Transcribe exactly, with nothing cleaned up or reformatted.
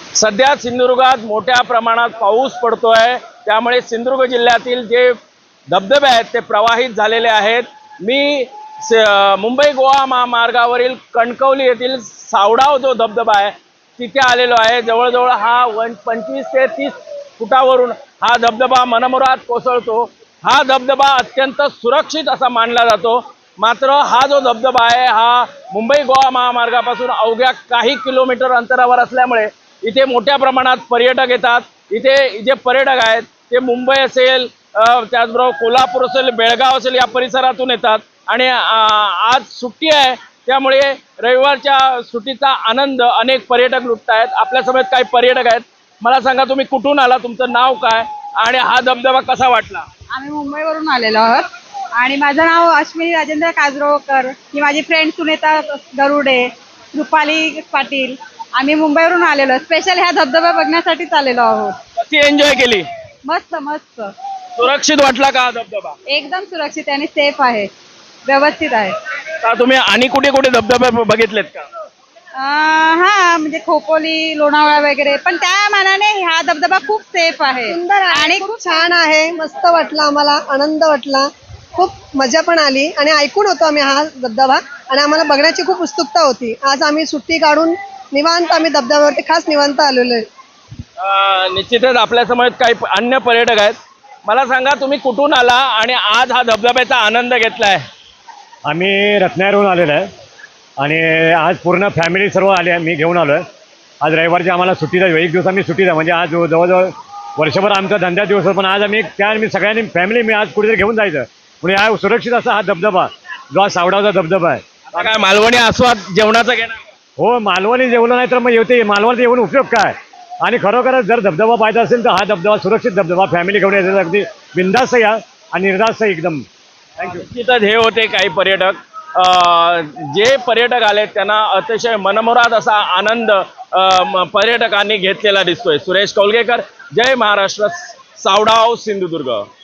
सध्या सिंधुदुर्गात मोठ्या प्रमाणात पाऊस पडतोय, त्यामुळे सिंधुदुर्ग जिल्ह्यातील जे धबधबे आहेत ते प्रवाहित झालेले आहेत। मी मुंबई गोवा महामार्गावरील कणकवली येथील सावडाव जो धबधबा आहे तिथे आलेलो आहे। जवळजवळ हा वन पंचवीस ते तीस फुटावरून हा धबधबा मनमुराद कोसळतो। हा धबधबा अत्यंत सुरक्षित असा मानला जातो। मात्र हा जो धबधबा आहे हा मुंबई गोवा महामार्गापासून अवघ्या काही किलोमीटर अंतरावर असल्यामुळे इथे मोठ्या प्रमाणात पर्यटक येतात। इथे जे पर्यटक आहेत ते मुंबई असेल, त्याचबरोबर कोल्हापूर असेल, बेळगाव असेल या परिसरातून येतात आणि आज सुट्टी आहे त्यामुळे रविवारच्या सुट्टीचा आनंद अनेक पर्यटक लुटत आहेत। आपल्यासमोर काही पर्यटक आहेत। मला सांगा, तुम्ही कुठून आला, तुमचं नाव काय आणि हा धबधबा कसा वाटला? आम्ही मुंबईवरून आलेलो आहोत आणि माझं नाव अश्विनी राजेंद्र काजरोकर, ही माझी फ्रेंड सुनेता गरुडे, रुपाली पाटील। आम्ही मुंबईवरून आलेलो, स्पेशल ह्या धबधबा बघण्यासाठीच आलेलो आहोत। कशी एन्जॉय केली? मस्त मस्त। सुरक्षित वाटला का हा धबधबा? एकदम सुरक्षित आणि सेफ आहे, व्यवस्थित आहे। का तुम्ही आणि कुठे कुठे धबधबे बघितलेत का? हा म्हणजे खोपोली, लोणावळा वगैरे, पण त्या मानाने हा धबधबा खूप सेफ आहे, सुंदर आणि खूप छान आहे। मस्त वाटलं, आम्हाला आनंद वाटला, खूप मजा पण आली आणि ऐकून होतो आम्ही हा धबधबा आणि आम्हाला बघण्याची खूप उत्सुकता होती। आज आम्ही सुट्टी काढून निवांत आम्ही धबधब्यावरती खास निवांत आलेलो आहे। निश्चितच आपल्यासमोर काही अन्य पर्यटक आहेत। मला सांगा, तुम्ही कुठून आला आणि आज हा धबधब्याचा आनंद घेतलाय? आम्ही रत्नागिरीहून आलेलो आहे आणि आज पूर्ण फॅमिली सर्व आले आहे। मी घेऊन आलो आहे। आज रविवारची आम्हाला सुट्टीचा एक दिवस आम्ही सुट्टीचा म्हणजे आज जवळजवळ वर्षभर आमचा धंदा दिवस, पण आज आम्ही त्या मी सगळ्यांनी फॅमिली मी आज कुठेतरी घेऊन जायचं म्हणजे हा सुरक्षित असा हा धबधबा जो हा सावडावचा धबधबा आहे। आता काय मालवणी आस्वाद जेवणाचा घेणार? हो, मालवणी जेवलं नाही तर मग येते मालवणीचं येऊन उपयोग काय? आणि खरोखरच जर धबधबा पाहायचा असेल तर हा धबधबा सुरक्षित धबधबा, फॅमिली घेऊन यायचं, अगदी बिंदास्त या आणि निर्धास्त एकदम। थँक्यू। निश्चितच हे होते काही पर्यटक। जे पर्यटक आले त्यांना अतिशय मनमुराद असा आनंद पर्यटकांनी घेतलेला दिसतोय। सुरेश कौलगेकर, जय महाराष्ट्र, सावडाव, सिंधुदुर्ग।